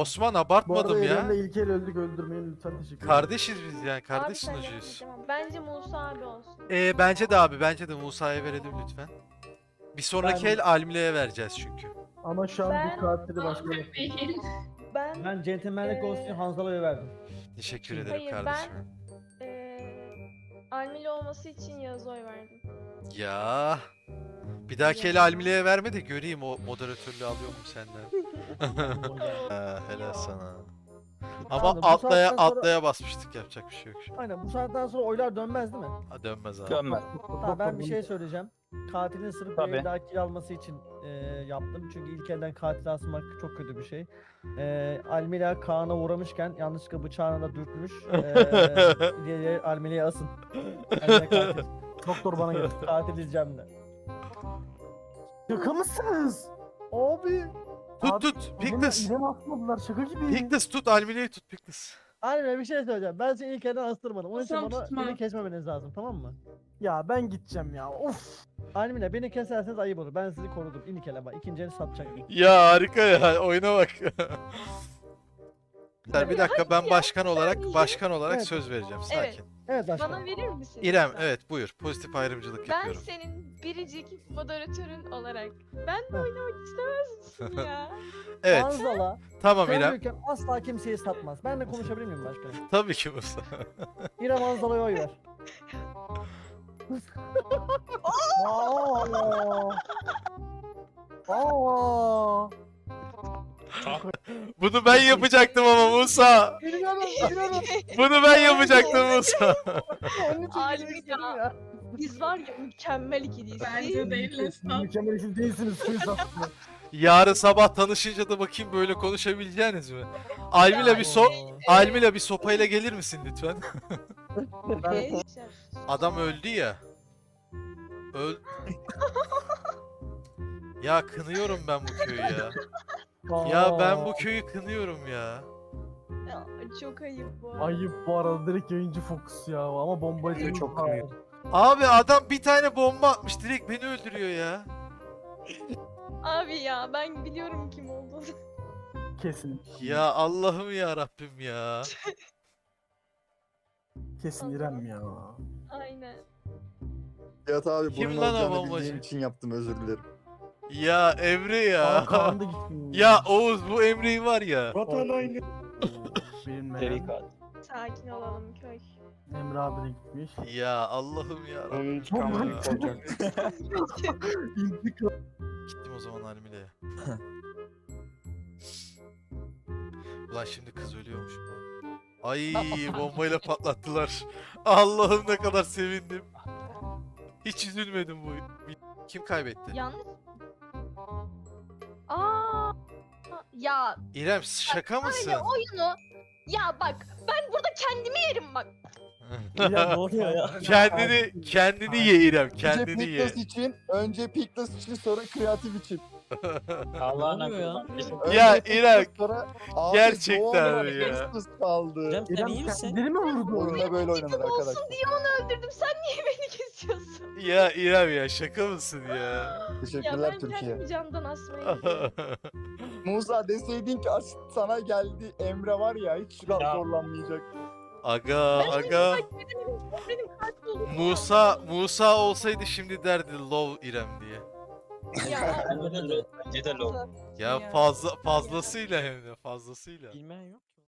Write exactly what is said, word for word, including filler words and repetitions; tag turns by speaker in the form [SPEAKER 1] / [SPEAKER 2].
[SPEAKER 1] Osman
[SPEAKER 2] Bu arada
[SPEAKER 1] abartmadım ya.
[SPEAKER 2] İrem'le İlker öldük, öldürmeyin lütfen, teşekkür ederim.
[SPEAKER 1] Kardeşiz biz yani.
[SPEAKER 3] Abi
[SPEAKER 1] Kardeş
[SPEAKER 3] sen
[SPEAKER 1] sunucuyuz.
[SPEAKER 3] yapmayacağım. Bence Musa abi olsun.
[SPEAKER 1] Ee, bence de abi. Bence de Musa'ya verelim lütfen. Bir sonraki
[SPEAKER 2] Ben-
[SPEAKER 1] el Almile'ye vereceğiz çünkü.
[SPEAKER 2] Ama şu an
[SPEAKER 3] Ben-
[SPEAKER 2] bir katili başka yok.
[SPEAKER 3] Ben
[SPEAKER 4] Ben Gentleman'lik olsun diye Hanzala'ya verdim.
[SPEAKER 1] Teşekkür ederim
[SPEAKER 3] Hayır,
[SPEAKER 1] kardeşim.
[SPEAKER 3] eee Almili olması için Yağız'a oy verdim.
[SPEAKER 1] Ya. Bir dahaki el Almile'ye verme de göreyim o moderatörlüğü alıyor mu senden. Ha, helal sana. Ama
[SPEAKER 4] Abi, bu
[SPEAKER 1] atlaya
[SPEAKER 4] saatten sonra-
[SPEAKER 1] atlaya basmıştık, yapacak bir şey yok şimdi.
[SPEAKER 4] Aynen bu saatten sonra oylar dönmez değil mi?
[SPEAKER 1] Ha, dönmez abi.
[SPEAKER 5] Dönmez.
[SPEAKER 4] Tamam ben bir şey söyleyeceğim. Katilin sırf
[SPEAKER 5] Tabii.
[SPEAKER 4] bir daha kill alması için e, yaptım. Çünkü ilk elden katil asmak çok kötü bir şey. E, Almila Kaan'a uğramışken yanlışlıkla bıçağını da dürtmüş. E, diye Almila'ya asın. Almila katil.
[SPEAKER 2] Doktor bana gel.
[SPEAKER 4] Katil diyeceğim de.
[SPEAKER 2] Şaka mısınız?
[SPEAKER 4] Abi.
[SPEAKER 1] Tut
[SPEAKER 2] Abi,
[SPEAKER 1] tut.
[SPEAKER 2] İrem'i-
[SPEAKER 1] Pictus.
[SPEAKER 2] İrem'i atmadılar, şaka gibi.
[SPEAKER 1] Pictus tut. Almile'yi tut Pictus.
[SPEAKER 4] Almila bir şey söyleyeceğim. Ben seni ilk elden astırmadım. Onun için
[SPEAKER 6] Tamam,
[SPEAKER 4] bana
[SPEAKER 6] tutma.
[SPEAKER 4] beni kesmemeniz lazım, tamam mı?
[SPEAKER 2] Ya ben gideceğim ya, of.
[SPEAKER 4] Almila beni keserseniz ayıp olur. Ben sizi korudum. İlk ele bak. İkinci eli satacak.
[SPEAKER 1] Ya harika ya. Oyuna bak. Bir dakika, ben başkan olarak başkan olarak
[SPEAKER 4] Evet.
[SPEAKER 1] söz vereceğim.
[SPEAKER 3] Evet.
[SPEAKER 1] Sakin.
[SPEAKER 4] Evet başkan.
[SPEAKER 3] Bana verir misin?
[SPEAKER 1] İrem,
[SPEAKER 3] lütfen?
[SPEAKER 1] evet buyur. Pozitif ayrımcılık
[SPEAKER 3] Ben
[SPEAKER 1] yapıyorum.
[SPEAKER 3] senin biricik moderatörün olarak ben de oynamak istemez misin ya?
[SPEAKER 1] Evet.
[SPEAKER 4] Hanzala.
[SPEAKER 1] Tamam
[SPEAKER 4] Sen
[SPEAKER 1] İrem.
[SPEAKER 4] büyükken asla kimseyi satmaz. Ben de konuşabilir miyim başkanım?
[SPEAKER 1] Tabii ki Musa.
[SPEAKER 4] İrem Hanzala'ya oy ver.
[SPEAKER 2] Aa. Aa.
[SPEAKER 1] Bunu ben yapacaktım ama Musa.
[SPEAKER 4] Biliyorum, biliyorum.
[SPEAKER 1] Bunu ben yapacaktım Musa.
[SPEAKER 4] Onun için
[SPEAKER 3] Almila.
[SPEAKER 4] girmek istedim ya.
[SPEAKER 3] Biz var ya mükemmel ikiliyiz.
[SPEAKER 6] Bence değiliz.
[SPEAKER 2] Siz mükemmel isim değilsiniz, siz aslında.
[SPEAKER 1] Yarın sabah tanışınca da bakayım böyle konuşabileceğiniz mi? Almila bir so Almila bir sopayla gelir misin lütfen?
[SPEAKER 3] Ben...
[SPEAKER 1] Adam öldü ya. Öl. Ya kınıyorum ben bu köyü ya. Ya ben bu köyü kınıyorum ya.
[SPEAKER 3] Ya, çok ayıp bu arada.
[SPEAKER 2] Ayıp bu arada, direkt yayıncı fokus ya, ama bombacı
[SPEAKER 5] Çok kınıyor.
[SPEAKER 1] Abi adam bir tane bomba atmış, direkt beni öldürüyor ya.
[SPEAKER 3] Abi ya ben biliyorum kim olduğunu.
[SPEAKER 2] Kesin.
[SPEAKER 1] Ya Allah'ım ya Rabbim ya.
[SPEAKER 2] Kesin İrem ya.
[SPEAKER 3] Aynen.
[SPEAKER 7] Nihat abi
[SPEAKER 1] Kim
[SPEAKER 7] bunun
[SPEAKER 1] lan o
[SPEAKER 7] olacağını
[SPEAKER 1] bombacı?
[SPEAKER 7] bildiğim için yaptım, özür dilerim.
[SPEAKER 1] Ya Emre
[SPEAKER 2] Aa,
[SPEAKER 1] ya.
[SPEAKER 2] Kaan da gitsin.
[SPEAKER 1] Ya Oğuz, bu Emre'yi var ya.
[SPEAKER 7] Vatan haini.
[SPEAKER 2] Bilinmeyen.
[SPEAKER 3] Sakin olalım köy.
[SPEAKER 2] Emre abi de gitmiş.
[SPEAKER 1] Ya Allah'ım ya Rabbim.
[SPEAKER 5] Onun intikamını
[SPEAKER 1] Ya.
[SPEAKER 5] alacak.
[SPEAKER 2] İntikam.
[SPEAKER 1] Gittim o zaman Almile'ye. Ulan şimdi kız ölüyormuş. Ay bombayla patlattılar. Allah'ım ne kadar sevindim. Hiç üzülmedim bu. Kim kaybetti?
[SPEAKER 3] Yanlış. Aa. Ya
[SPEAKER 1] İrem şaka mısın?
[SPEAKER 3] böyle oyunu. Ya bak ben burada kendimi yerim bak.
[SPEAKER 4] Ya ne oluyor ya?
[SPEAKER 1] kendini kendini ye İrem,
[SPEAKER 7] Önce
[SPEAKER 1] kendini ye.
[SPEAKER 7] Pictus için, önce Pictus için, sonra kreatif için.
[SPEAKER 5] Allah'ına
[SPEAKER 4] Ne oluyor
[SPEAKER 7] Önce
[SPEAKER 1] Ya
[SPEAKER 7] Pictus,
[SPEAKER 1] İrem,
[SPEAKER 7] sonra abi
[SPEAKER 1] gerçekten
[SPEAKER 7] doğal
[SPEAKER 1] mi ya?
[SPEAKER 7] Pictus kaldı.
[SPEAKER 4] Cem sen
[SPEAKER 2] İrem
[SPEAKER 4] iyi misin?
[SPEAKER 2] kendini mi vurdu?
[SPEAKER 7] Oyunda böyle oynanır
[SPEAKER 3] Tipim olsun
[SPEAKER 7] arkadaşlar.
[SPEAKER 3] diye onu öldürdüm. Sen niye beni kesiyorsun?
[SPEAKER 1] Ya İrem ya, şaka mısın ya?
[SPEAKER 3] Ya
[SPEAKER 7] Teşekkürler
[SPEAKER 3] ben
[SPEAKER 7] Türkiye.
[SPEAKER 3] kendimi candan asmayı biliyorum.
[SPEAKER 7] Musa deseydin ki asist sana geldi, Emre var ya hiç
[SPEAKER 5] Ya.
[SPEAKER 7] zorlanmayacak.
[SPEAKER 1] Aga aga.
[SPEAKER 3] Benim katil olduğumu
[SPEAKER 1] Musa Musa olsaydı şimdi derdi love İrem diye.
[SPEAKER 3] Ya,
[SPEAKER 5] Bence de low.
[SPEAKER 1] Ya fazla fazlasıyla hem de fazlasıyla.
[SPEAKER 4] Bilmeyen yok.